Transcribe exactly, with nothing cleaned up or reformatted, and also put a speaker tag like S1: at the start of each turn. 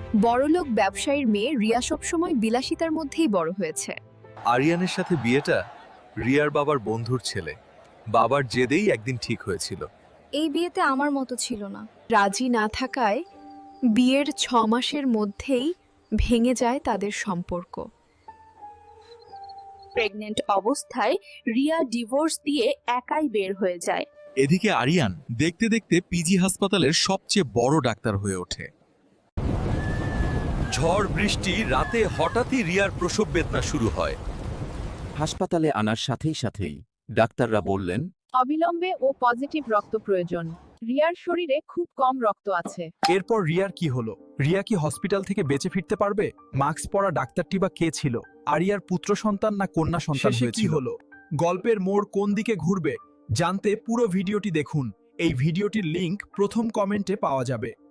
S1: বড়লোক ব্যবসায়ীর মেয়ে রিয়া সবসময় বিলাসিতার মধ্যেই বড় হয়েছে।
S2: আরিয়ানের সাথে বিয়েটা রিয়ার বাবার বন্ধুর ছেলে। বাবার জেদেই একদিন ঠিক হয়েছিল।
S1: এই বিয়েতে আমার মতো ছিল না। রাজি না থাকায় বিয়ের ছ মাসের মধ্যেই ভেঙে যায় তাদের সম্পর্ক।
S3: প্রেগনেন্ট অবস্থায় রিয়া ডিভোর্স দিয়ে একাই বের হয়ে যায়।
S2: এদিকে আরিয়ান দেখতে দেখতে পিজি হাসপাতালের সবচেয়ে বড় ডাক্তার হয়ে ওঠে। ঝড় বৃষ্টি রাতে হঠাৎই রিয়ার প্রসব বেদনা শুরু হয়।
S4: হাসপাতালে আনার সাথেই সাথেই ডাক্তাররা বললেন,
S3: অবিলম্বে ও পজিটিভ রক্ত প্রয়োজন। রিয়ার শরীরে খুব কম রক্ত আছে।
S5: এরপর রিয়ার কি হলো? রিয়া কি হসপিটাল থেকে বেঁচে ফিরতে পারবে? মাস্ক পরা ডাক্তারটি বা কে ছিল? আরিয়ার পুত্র সন্তান না কন্যা সন্তান হয়েছিল? কি হলো? গল্পের মোড় কোন দিকে ঘুরবে জানতে পুরো ভিডিওটি দেখুন। এই ভিডিওটির লিংক প্রথম কমেন্টে পাওয়া যাবে।